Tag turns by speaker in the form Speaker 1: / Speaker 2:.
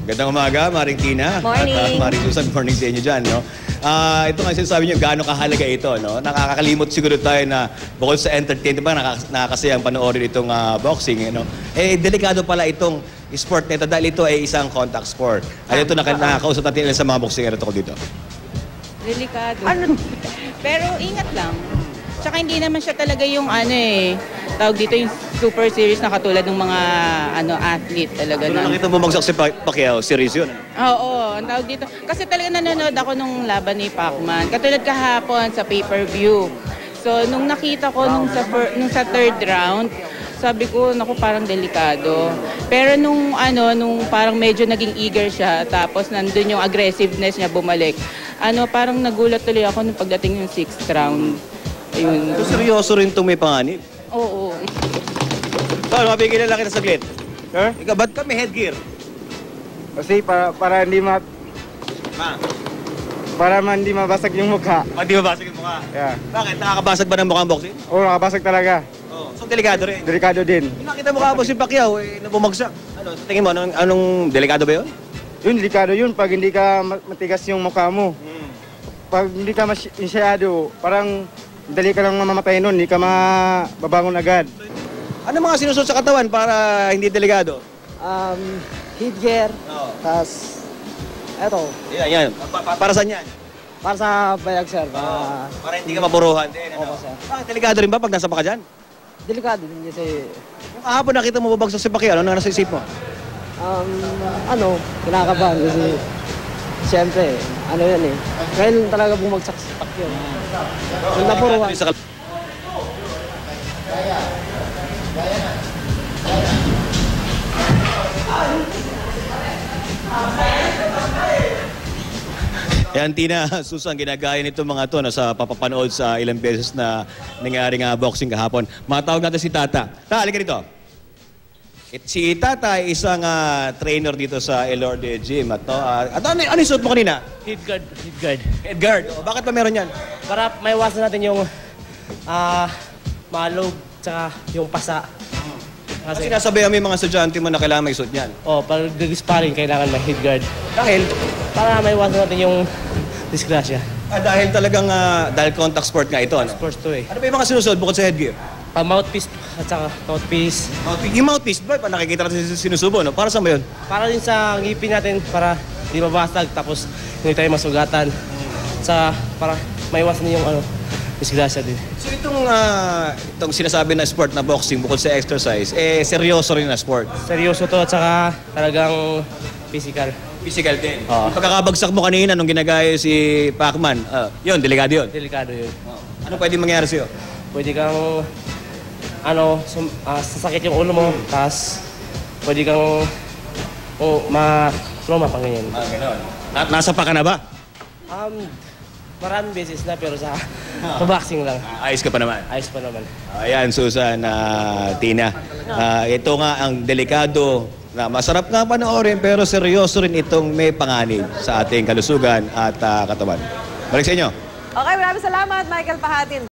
Speaker 1: Gandang umaga, Maring Tina.
Speaker 2: Morning.
Speaker 1: At Maring Susan, morning sa inyo dyan, no? Ito nga sinasabi niyo, gaano kahalaga ito, no? Nakakalimot siguro tayo na bukod sa entertainment, nakakasayang panoorin itong boxing, no? Delikado pala itong sport na ito dahil ito ay isang contact sport. Ito nakakausap natin sa mga boxingero tungkol dito.
Speaker 3: Delikado. Pero ingat lang. Tsaka hindi naman siya talaga yung tawag dito yung super serious na katulad ng mga athlete talaga.
Speaker 1: Kung nakita bumagsak si Pacquiao, serious yun.
Speaker 3: Oo, ang tawag dito. Kasi talaga nanonood ako nung laban ni Pacman. Katulad kahapon sa pay-per-view. So nung nakita ko nung sa third round, sabi ko, naku, parang delikado. Pero nung parang medyo naging eager siya, tapos nandun yung aggressiveness niya bumalik. Parang nagulat tuloy ako nung pagdating yung 6th round. Ayun.
Speaker 1: So, seryoso rin itong may panganib.
Speaker 3: Oo.
Speaker 1: Tol, mabigyan na lang kita saglit.
Speaker 4: Sir?
Speaker 1: Ikaw, ba't ka may headgear?
Speaker 4: Kasi para hindi hindi mabasag yung mukha.
Speaker 1: Hindi mabasag yung mukha?
Speaker 4: Yeah.
Speaker 1: Bakit? Nakakabasag ba ng mukha ang boxing?
Speaker 4: Oo, nakabasag talaga.
Speaker 1: Oh, so, delikado rin.
Speaker 4: Delikado din.
Speaker 1: Yung nakita mo ka si Pacquiao, na bumagsak. Tingin mo, anong delikado ba yun?
Speaker 4: Yun, delikado yun pag hindi ka matigas yung mukha mo. Pag hindi ka masyado, parang dali ka lang mamamatay nun, hindi ka mababangon agad.
Speaker 1: Ano mga sinusunod sa katawan para hindi delikado?
Speaker 5: Headgear,
Speaker 1: Oo.
Speaker 5: tas eto,
Speaker 1: Yan. Para saan yan?
Speaker 5: para sa bayag sir,
Speaker 1: Para hindi ka mapuruhan din.
Speaker 5: Opo, sir.
Speaker 1: Bakit delikado rin ba pag nasa pa ka dyan?
Speaker 5: delikado din kasi,
Speaker 1: Kung kahapon nakita mo babagsak si Pacquiao, ano nasa isip mo?
Speaker 5: kinakabahan kasi, siyempre, yan eh, ngayon talaga bumagsak sa Pacquiao. Yung napuruhan.
Speaker 1: Yan, Tina, Susan, ginagaya nito mga to sa papapanood sa ilang beses na nangyaring boxing kahapon. Matawag natin si Tata. Halika rito. Si Tata ay isang trainer dito sa Elorde Gym. Ano yung suot mo kanina?
Speaker 6: Head guard.
Speaker 1: Head guard. Bakit pa meron yan?
Speaker 6: Para maiwasan natin yung malog tsaka yung pasa.
Speaker 1: Kasi nasabihan mo yung mga estudyante mo na kailangan may suot yan.
Speaker 6: Pag nag-sparring, kailangan may head guard.
Speaker 1: Dahil?
Speaker 6: Para maiwasan natin yung disgrasya.
Speaker 1: Dahil talagang, dahil contact sport nga ito, ano?
Speaker 6: Sports to eh.
Speaker 1: Ano ba yung mga sinusuot bukod sa headgear?
Speaker 6: Mouthpiece at saka mouthpiece.
Speaker 1: Yung mouthpiece ba? Nakikita natin sinusubo, no? Para saan ba yun?
Speaker 6: Para din sa ngipin natin para di mabasag tapos hindi tayo masugatan. Para maiwasan yung disgrasya din.
Speaker 1: So itong sinasabi na sport na boxing bukod sa exercise, seryoso rin na sport.
Speaker 6: Seryoso to at saka talagang physical.
Speaker 1: Physical din.
Speaker 6: Oo.
Speaker 1: Pagkakabagsak mo kanina nung ginagaya si Pacman, yun, delikado yun.
Speaker 6: Delikado yun.
Speaker 1: Ano pwede mangyari sa'yo?
Speaker 6: Pwede kang sasakit yung ulo mo, tapos pwede kang ma-trauma pang ganyan.
Speaker 1: Gano'n. Nasa pa ka na ba?
Speaker 6: Maraming beses na pero sa boxing lang.
Speaker 1: Ayos ka pa naman.
Speaker 6: Ayos pa naman.
Speaker 1: Ayan, Susan, Tina. Ito nga ang delikado na masarap nga panoorin pero seryoso rin itong may panganib sa ating kalusugan at katawan. Balik sa inyo.
Speaker 2: Okay, maraming salamat, Michael Pahatin.